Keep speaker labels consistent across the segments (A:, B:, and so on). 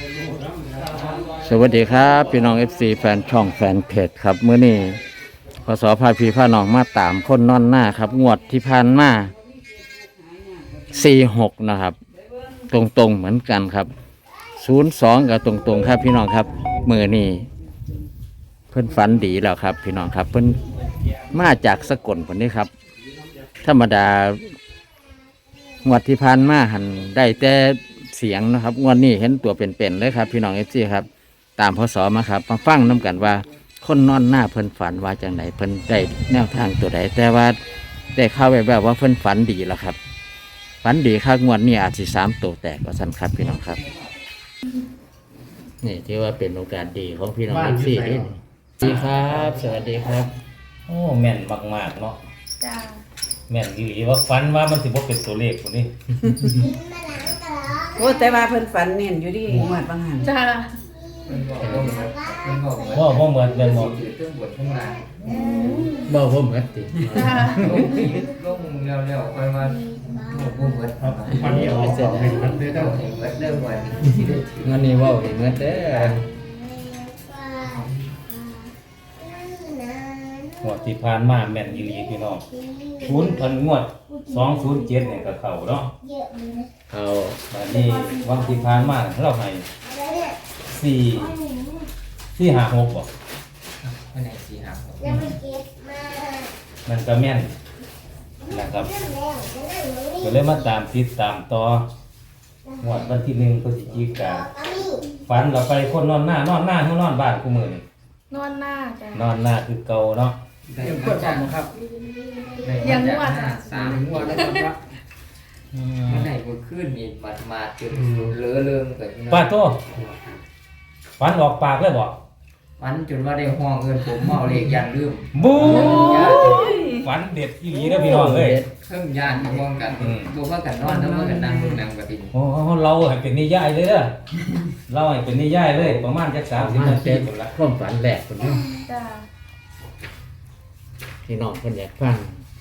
A: สวัสดีครับพี่น้อง FC แฟนช่องแฟนเพจครับมื้อนี้พศพาพี่พาน้องมาตามคนนอนหน้าครับงวดที่ผ่านมา46นะครับตรงๆเหมือนกันครับ02กับตรงๆครับพี่น้องครับมื้อนี้เพิ่นฝันดีแล้วครับพี่น้องครับเพิ่นมาจากสกลพุ่นนี้ครับธรรมดางวดที่ผ่านมาหันได้แต่เสียงนะครับงวดนี้เห็นตัวเป็นๆเลยครับพี่น้อง FC ครับตามพศมาครับมาฟังน้กันว่าคนนอนหน้าเพิ่นฝันว่าจังไหนเพิ่นได้แนวทางตัวใดแต่ว่าได้ข่าวแบบว่าเพิ่นฝันดีแล้วครับฝันดีครับงวดนี้อาจสิ3ตัวแตกว่าซั่นครับพี่น้องครับนี่ที่ว่าเป็นโอกาสดีของพี่น้อง FC นี่สวัสดีครับสวัสดีครับ
B: โอ้แม่นมากๆเนาะ
C: จ้า
B: แม่นอีหลีว่าฝันว่ามันสิบ่เป็นตัวเลขพุ่นนี่
D: โอ้แต่ว่าเพิ่นฝันเน้นอยู่ดิงวดบางหัน
C: จ้า
B: ว่าบ่เหมือนแม่นบ่
A: บ่บ่เหมือนติ
C: จ้า
E: ลงเร็วๆค่อยมาบุ้มเบิด
A: วันนี้เอาเสร็จแล้ว
E: เบิดเริ่มวันสิได้ถือ
A: งั้นนี่เว้าให้เหมือนเด้อ
B: งวดที่ผ่านมาแม่นอีหลีพี่น้องงวด207เนี่ยก็เข้าเนาะ
A: เอา
B: บัดนี้วันที่ผ่านมาเราให้4 5 6บ่
E: วันไหนสี่ห้าหก
B: มันก็แม่นนะครับก็เลยมาตามติดตามต่องวดวันที่1พฤศจิกายนฝันเราไปคนนอนหน้านอนบ้านกูมื้อนี่
C: นอนหน้าจ้าน
B: อนหน้าคือเก่าเนาะ
E: ได้มาจากครับสามงวดแล้วครับวันไหนก็ขึ้นนี่มาจนเลอะเริ่มเกิด
B: ป้าโตฝันออกปากเลยบ่
E: วันจนว่าได้ห้องเงินผมเมาเลขยันลืม
B: บู๊ฝันเด็ดอีหลีเด้อพี่น้องเอ้ย
E: เครื่องยานมองกันดูว่ากันนอนแล้วว่ากันนั่งมึงนั่งกับติ
B: โอ้เราให้เป็นนิยายเลยเด้อเราให้เป็นนิยายเลยประมาณจัก30นาทีพุ่นละ
A: ความฝันแรกคนนี้
C: จ้า
A: พี่น้องคนอยากฟัง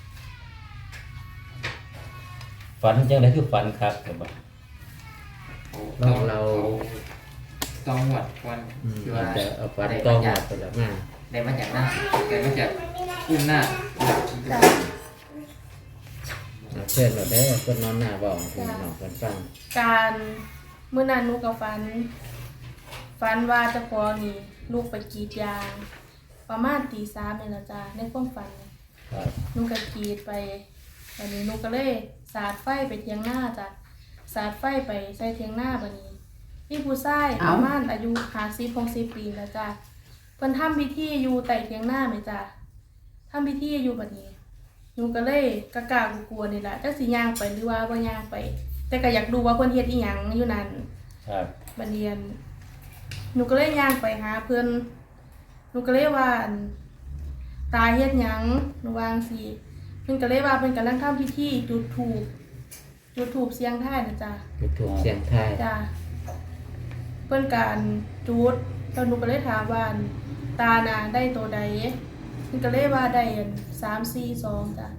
B: ฝันจังได๋คือฝันครับแต่บ่
E: ต้องหวดก่อนคือว่า
A: จะเอาฝันต้องมาไปแล้วมา
E: ได้มาจากหน้าได้มาจากอุ้มหน้า
C: จ้า
A: เอาเชิญเราได้อคนนอนหน้าบอกพี่น้องคนฟัง
C: การเมื่อนั้นหนูกับฝันว่าเจะพอนี่ลูกไปกรีดยางประมาณตี 3นี่ล่ะจ้าในความฝัน
A: ครับ
C: หนูก็กรีดไปวันนี้หนูก็เลยสาดไฟไปเทียงหน้าจ้ะสาดไฟไปใส่เทียงหน้าบัดนี้พี่ผู้ชายประมาณอายุ50-60 ปีแล้วจ้ะเพิ่นทำพิธีอยู่ใต้เทียงหน้าไหมจ้ะทำพิธีอยู่บัดนี้หนูก็เลยกะกลัวๆนี่แหละจักสิย่างไปหรือว่าบ่ย่างไป แต่ก็อยากดูว่าเพิ่นเฮ็ดอีหยังอยู่นั่น
B: ครับ
C: บัดนี้หนูก็เลยย่างไปหาเพิ่นหนูก็เลยว่าตาเฮ็ดหยังหนูวาจั่งสิเพิ่นก็เลยว่าเพิ่นกำลังทำพิธีจุดธูปเสียงทายนะจ๊ะ
A: จุดถูกเสียงทาย
C: จ้ะเพิ่นการจุดแล้วหนูก็เลยถามว่าตาน่ะได้ตัวใดเพิ่นก็เลยว่าได้342จ้ะ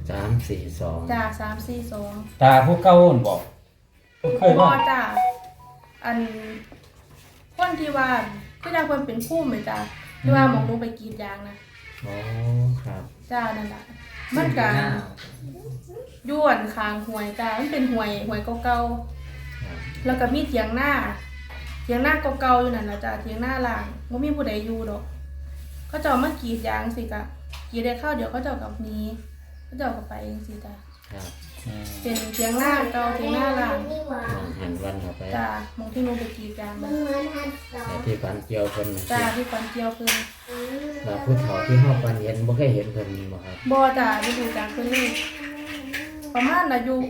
A: 342
C: จ้ะ342
B: ตาผู้เก่านั่นบ่เคย
C: บ่
B: ว่า
C: จ้ะอันคนที่ว่าคือจังเพิ่นเป็นผู้เหมือนจ้ะที่ว่าหมองหนูไปกรีดยางนะ
A: อ๋อครับ
C: จ้านั่นล่ะมันก็ย้วนคางห้วยจ้ามันเป็นห้วยเก่าๆแล้วก็มีเถียงหน้าเก่าๆอยู่นั่นล่ะจ้าเถียงหน้าล่างบ่มีผู้ใดอยู่ดอกเขาเจ้ามากรีดยางสิกะกรีดได้ข้าวเดี๋ยวเขาเจ้ากับนี้เขาเจ้าก็ไปจังซี่จ้า
A: ครับ
C: เป็นเถียงหน้าเก่าเถียงหน้าล่าง
A: มองหันวันเข้าไป
C: จ้ามองที่หนูไปกรีดยางนะ
A: แต่ที่ฝันเกี่ยวเพิ่นน่ะ
C: จ้าที่ฟันเกี่ยวเพิ่น
A: ว่าผู้เฒ่าที่เฮาฝันเห็นบ่เคยเห็นเพิ่นบ่ครับ
C: บ่จ้าได้ดูจากเพิ่นเลยประมาณอายุ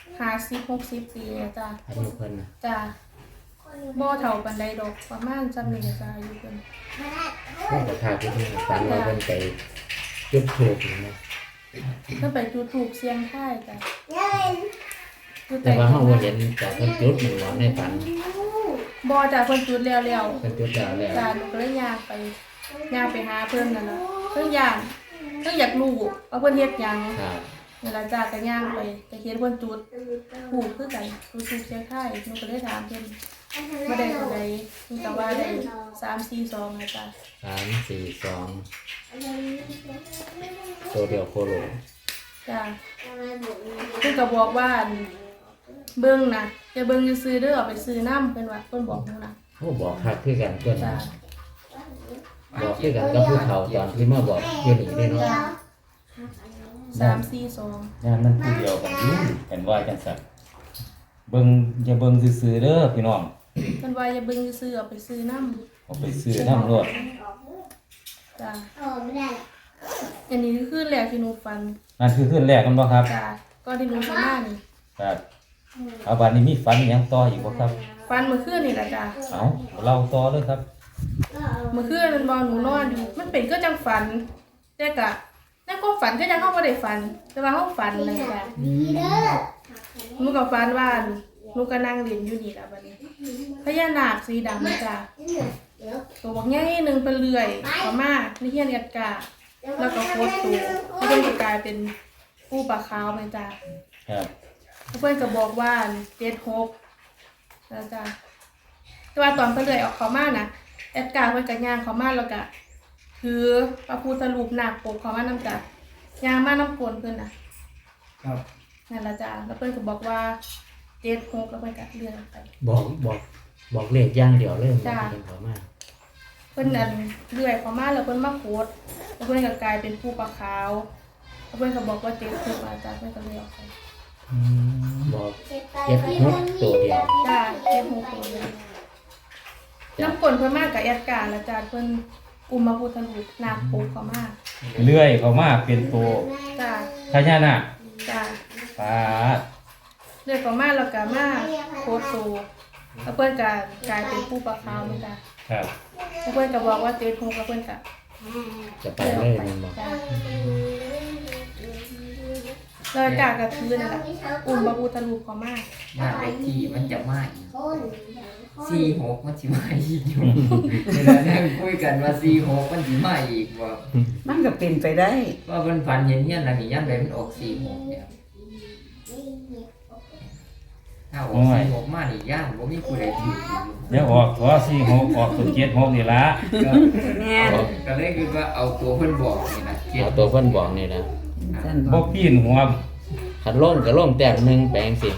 C: 50-60 ปีแล้วจ้า
A: อายุเพิ่นน่ะ
C: จ้าบ่เท่าปานใดดอกประมาณจำนี้จ้าอายุเพิ่น
A: เพิ่นก็พาไปที่ฝันว่าเพิ่นไปจุดถูกนี่นะ
C: เพิ่นไปจุดธูปเสียงทายจ้ะจุด
A: แต่ว่าเฮาบ่เห็นแต่เพิ่นจุดมันบ่ในฝัน
C: บ่จ้ะเพิ่นจุดแล้ว
A: เพิ่นจุดแล้วแล้ว
C: จ้าหนูก็เลยย่างไปหาเพิ่นนั่นล่ะเพิ่นย่างเพิ่นอยากรู้ว่าเพิ่นเฮ็ดหยัง
A: ครับ
C: นั่นล่ะจ้าก็ย่างไปก็เห็นเพิ่นจุดธูปคือกันจุดธูปเสียงทายหนูก็เลยถามเพิ่นบ่ได้ตัวใดมันก็ว่าได้342นะจ๊ะ
A: 3 4 2ตัวเดียวโคโล
C: จ้ะเพิ่นก็บอกว่าเบิ่งนะอย่าเบิ่งซื่อๆเด้อเอาไปซื้อน้ำเพิ่นว่าเพิ่นบอกหนูนะ
A: โอ้บอกคักคือกันเพิ่น
C: จ้ะ
A: บอกคือกันกับผู้เฒ่าตอนที่มาบอกอยู่นี่เด้เนาะ
C: จ้ะ342
B: งานมันคือเดียวกันอยู่กันว่าจังซั่นเบิ่งอย่าเบิ่งซื่อๆเด้อพี่น้อง
C: เพิ่นว่าอย่าเบิ่งซื่อๆเอาไปซื้อน้ำ
B: เอาไปซื้อน้ำรวด
C: จ้ะอันนี้คือแรกที่หนูฝัน
B: นั่นคือขึ้นแรกกันบ่ครับ
C: จ้ะก่อนที่หนูสิมานี่
B: ครับเอาบัดนี้มีฝันอิหยังต่ออีกบ่ครับ
C: ฝันเมื่อคืนนี่ล่ะจ้ะ
B: เอาเราต่อเลยครับ
C: เมื่อคืนมันบ่หนูนอนอยู่มันเป็นก็จังฝันแต่ก็ในความฝันก็ยังเฮาบ่ได้ฝัน แต่ว่าเฮาฝันเลยจ้ะหนูก็ฝันว่าหนูก็นั่งเล่นอยู่นี่ล่ะบัดนี้พญานาคสีดำจ้ะตัวบักใหญ่หนึงเป็นเลื่อยเข้ามาในเฮียนกัดกาแล้วก็โคตรตัวแล้วเพิ่นก็กลายเป็นปูปลาขาวแม่จ้ะ
B: ครับ
C: เพื่อนก็บอกว่า76นะจ๊ะแต่ว่าตอนเพื่อนเลยออกเขามานะแอดการ์เพื่อนก็ย่างเขามาแล้วก็ถือพระพุทธรูปนาคปกเขามานำจ้ะย่างมาน้ำกลนเพื่อนนะครับ นั่นละจ้ะแล้วเพื่อนก็บอกว่า76แล้วเพื่อนก็เลื่อนไป
A: บอกเลขอย่างเดียวเลย
C: จ้ะ
A: เพิ่นเข้ามา
C: เพื่อนนั่นเลื่อยเขามาแล้วเพื่อนมาโคตรแล้วเพื่อนก็กลายเป็นผู้ปลาขาวแล้วเพื่อนก็บอกว่า76อาจารย์เพื่อนก็เลยออกไป
A: บอก76ตัวเดียว
C: จ้ะ76ตัวเดียวน้ำกลนเพื่อนมากกับแอดการ์แล้วจ้ะเพื่อนอุมพระพุทธรูปนาคปกเขามา
B: เลื่อยเข้ามาเป็นตัว
C: จ้า
B: พญานาค
C: จ้า
B: ปาด
C: เรียกเขามาแล้วก็มาโคตรโตแล้วเพื่อนก็กลายเป็นผู้ปลาขาวเหมือนกัน
B: ครับ
C: แล้วเพื่อนก็บอกว่า76กับเพื่อนก็
A: จะไปเลยแม่นบ่
C: จ้าแล้วกากระทือนั่นแหละอุมพระพุทธรูปเขามา
E: บ้านเลขที่มันจะมาอีก46มันสิมาอีกอยู่เวลานั่งคุยกันว่า46มันสิมาอีกว่า
D: มันก็เป็นไปได้
E: ว่าเพิ่นฝันเห็นเฮียนหลังนี้ยามใดมันออก46เนี่ยถ้าออก46มานี่ย่านบ่มีผู้ใดถืออยู่
B: เดี๋ยวออกตัว46ออกตัว76นี่ละ
D: แม่น
E: ก็เลยคิดว่าเอาตัวเพิ่นบอกนี่นะ
A: เอาตัวเพิ่นบอกนี่นะ
D: ซั่นบ
B: บ่
D: อก
B: ปีนหัว
A: คันลงก็ลงแต้มหนึงแปลงสิ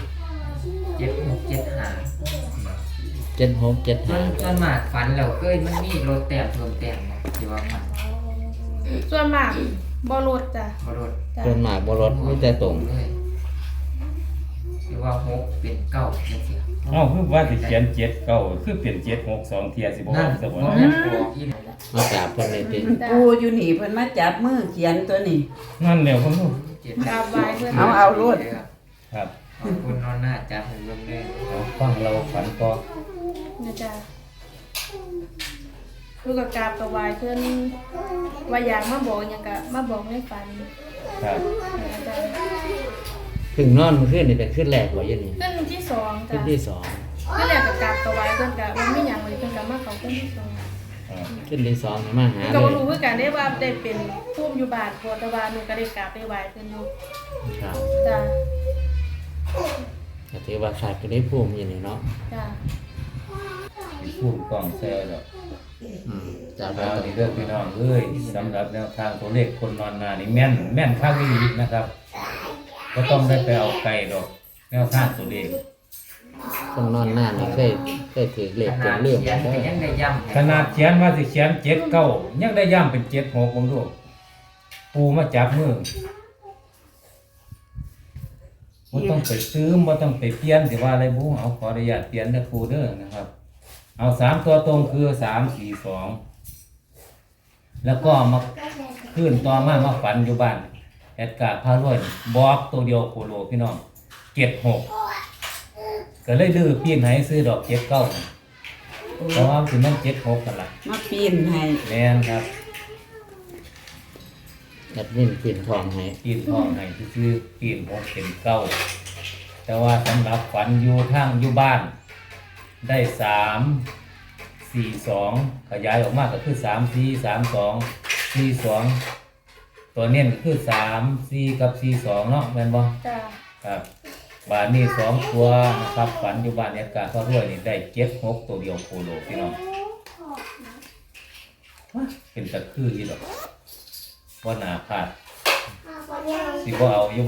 E: 7675
A: 7675
E: ส่วนมากฝันแล้วเคยมันมีรถแต้มเพิ่มแต้มเนาะที่ว่ามัน
C: ส่วนมากบ่ลดจ้ะ
E: บ่รถ
C: จ้า
A: เพิ่นมากบ่ลดมีแต่ตรง
E: เลยที่ว่า6เป็น9จังซี่
B: เอ้าคือว่าสิเขียน79คือเปลี่ยน762เที่ยสิบ่อ
E: นั่
B: อน กซะบ่
E: บ่แม่นบอกอีนั่นแหละ
A: มากราบเพิ่นเลยติ
C: จ้า
D: ปูอยู่นี่เพิ่นมาจับมือเขียนตัวนี้
B: นั่นแหล้วผมรู้
C: กราบไหว้เพิ่น
D: เอารวด
B: ครับ
E: ขอบคุณนอนหน้าจับให้เบิ่งเลย
B: เอาฟังเราฝันต่อ
C: นะจ้าลูกก็กราบกับไหว้เพิ่นว่าอยากมาบอกหยังก็มาบอกในฝัน
B: ครับ
C: นะจ้า
A: เพิ่งนอนเมื่อคืนนี่เป็นคืนแรกบ่อยู่นี่
C: ขึ้นที่สอง
A: คื
C: จ้ะ
A: นที่สอง
C: ขึ้นแรกกับกราบกับไหว้เพิ่นก็ว่ามีหยังเลยเพิ่นก็มาเข้าขึ้นที่สอง
A: คืนที่สองนี่มาหา
C: ก็
A: เล
C: บ่
A: ย
C: รู้คือกันได้ว่าได้เป็นภูมิอยู่บ้านบ่แต่ว่าหนูก็ได้กราบได้ไหว้เพิ่นอยู่
A: ครับ
C: จ้ะ
A: ก็ถือว่าขาดก็ได้ภูมิอยู่นี่เนาะ
C: จ้ะ
B: พูดกล้องแซ่ดอก
A: จาก
B: เอา
A: เรา
B: ดีเด้อพี่น้องเอ้ยสำหรับแนวทางตัวเลขคนนอนนานี่แม่นแม่นข้างนี้นะครับก็ต้องได้ไปเอาไก่ดอกแนวทางตัวเลข
A: คนนอนหน้านี่เคยถือเลขจนเรื่อง
E: เขียน
A: เด้
E: ก็
A: อ
E: ยังได้ย้ำให้
B: ขนาดเขียนว่าสิเขียน79ยังได้ย่ำเป็น76ผมดูปูมาจับมือบ่ต้องไปซื้อบ่ต้องไปเปลี่ยนสิว่าอะไรบูเอาขออนุญาตเปลี่ยนเด้อครูเด้อนะครับ เอา3ตัวตรงคือ342แล้วก็มาขึ้นต่อมาฝันอยู่บ้านแอดการ์พารวยบอกตัวเดียวโคโลพี่น้อง76ก็เลยดื้อปีนให้ซื้อดอก79เพราะว่าสิมัน76กันล่ะ
D: มาปีนให้
B: แม่นครับ
A: แอดมินปิ่นทองให้
B: ปีนทองให้ซื้อปีน6เป็น9แต่ว่าสำหรับฝันอยู่ทางอยู่บ้าน ได้342ขยายออกมาก็คือ343242ตัวเน้นคือ34กับ42เนาะแม่นบ่
C: จ้ะ
B: ครับบ้านนี้2ตัวนะครับฝันอยู่บ้านแอดการ์พ่อรวยนี่ได้76ตัวเดียวโคโลพี่น้องเป็นตะคืออีหรอกว่าน่าพลาดสิบ่เอาอยู่บ่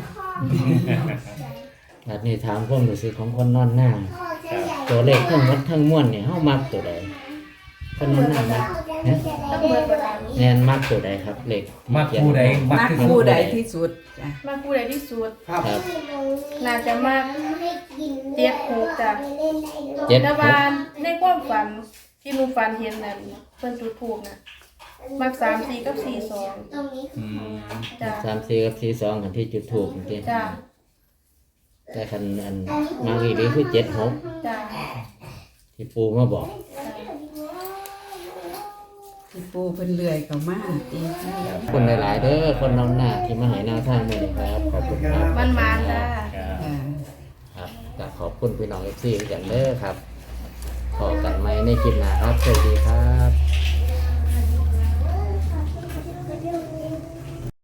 A: แบบนี้ถามความรู้สึกของคนนอนหน้า ตัวเลขทั้งหมดทั้งมวลเนี่ยเฮามักตัวใดคนนอนหน้ามักนะ
C: ต้องเบิดเวลา
A: แน่นมักตัวใดครับเลข
B: มักผู้ใดมัก
D: มัก
B: ที่
D: คู่ใดที่สุดจ้ะ
C: มาผู้ใดที่สุด
A: ครับ
C: น่าจะมาก76จ้ะ
A: เจ็ด
C: แต่
A: ห
C: ว่าก ในความฝันที่หนูฝันเห็นนั่นเพิ่นจุดธูปน่ะมัก34กับ42
B: อืม
C: จ้ะ
A: 3 4กับ4 2กันที่จุดถูกจริง
C: จ้ะ
A: แต่คันอันมักอีหลีคือ7 6
C: จ้ะ
A: ที่ปูมาบอก
D: ที่ปูเพิ่นเลื่อยเข้ามาตี
A: ขอบคุณหลายๆเด้อคนนอนหน้าที่มาให้แนวทางด้วยนะครับขอบคุณครับ
C: มันมานจ้ะ
B: ครับ
D: อ่า
A: ครับก็ขอบคุณพี่น้อง FC กันเด้อครับพอกันไหมในคลิปหน้าครับสวัสดีครับ